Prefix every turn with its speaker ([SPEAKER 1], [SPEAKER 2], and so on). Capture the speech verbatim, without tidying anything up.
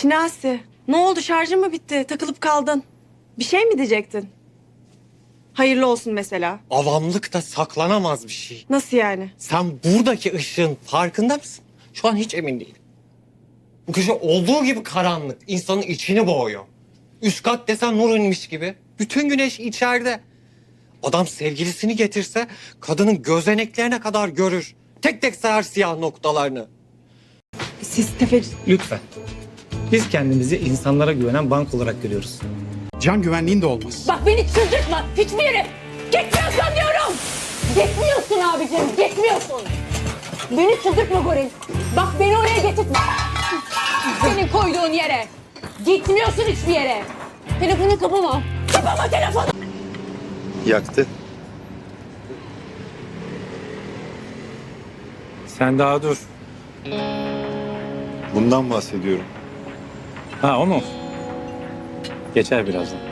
[SPEAKER 1] Şinasi, ne oldu? Şarjın mı bitti? Takılıp kaldın. Bir şey mi diyecektin? Hayırlı olsun mesela.
[SPEAKER 2] Avamlıkta saklanamaz bir şey.
[SPEAKER 1] Nasıl yani?
[SPEAKER 2] Sen buradaki ışığın farkında mısın? Şu an hiç emin değilim. Bu köşe olduğu gibi karanlık. İnsanın içini boğuyor. Üst kat desen nur inmiş gibi. Bütün güneş içeride. Adam sevgilisini getirse kadının gözeneklerine kadar görür. Tek tek sayar siyah noktalarını.
[SPEAKER 1] Siz tefeci...
[SPEAKER 3] Lütfen. Biz kendimizi insanlara güvenen bank olarak görüyoruz.
[SPEAKER 4] Can güvenliğin de olmaz.
[SPEAKER 5] Bak beni çıldırtma. Hiçbir yere gitmiyorsun diyorum. Gitmiyorsun abicim. Gitmiyorsun. Beni çıldırtma Goril. Bak beni oraya getirtme. Senin koyduğun yere. Gitmiyorsun hiçbir yere. Telefonu kapama. Kapama telefonu.
[SPEAKER 6] Yaktı.
[SPEAKER 3] Sen daha dur.
[SPEAKER 6] Bundan bahsediyorum.
[SPEAKER 3] Ha o mu? Geçer birazdan.